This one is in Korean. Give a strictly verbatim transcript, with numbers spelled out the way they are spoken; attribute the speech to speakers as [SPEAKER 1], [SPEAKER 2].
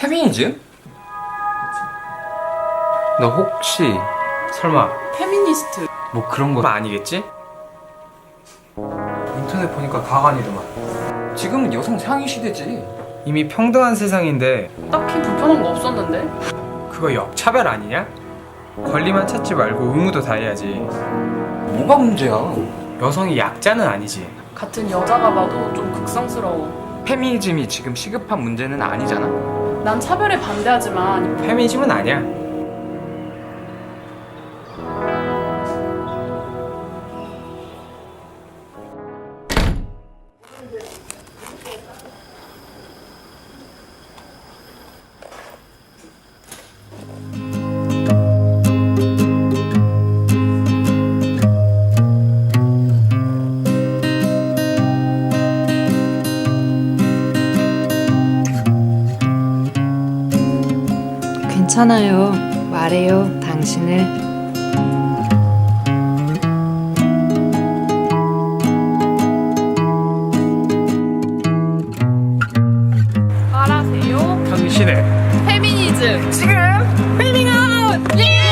[SPEAKER 1] 페미니즘? 너 혹시 설마
[SPEAKER 2] 페미니스트.
[SPEAKER 1] 뭐 그런 거 아니겠지?
[SPEAKER 3] 인터넷 보니까 가관이더만.
[SPEAKER 1] 지금은 여성 상위 시대지.
[SPEAKER 3] 이미 평등한 세상인데
[SPEAKER 2] 딱히 불편한 거 없었는데?
[SPEAKER 3] 그거 역차별 아니냐? 권리만 찾지 말고 의무도 다 해야지.
[SPEAKER 1] 뭐가 문제야?
[SPEAKER 3] 여성이 약자는 아니지.
[SPEAKER 2] 같은 여자가 봐도 좀 극성스러워.
[SPEAKER 1] 페미니즘이 지금 시급한 문제는 아니잖아.
[SPEAKER 2] 난 차별에 반대하지만
[SPEAKER 3] 페미니즘은 아니야.
[SPEAKER 4] 괜찮아요. 말해요, 당신을.
[SPEAKER 2] 알아세요?
[SPEAKER 3] 당신의
[SPEAKER 2] 페미니즘. 지금 페밍아웃! 예!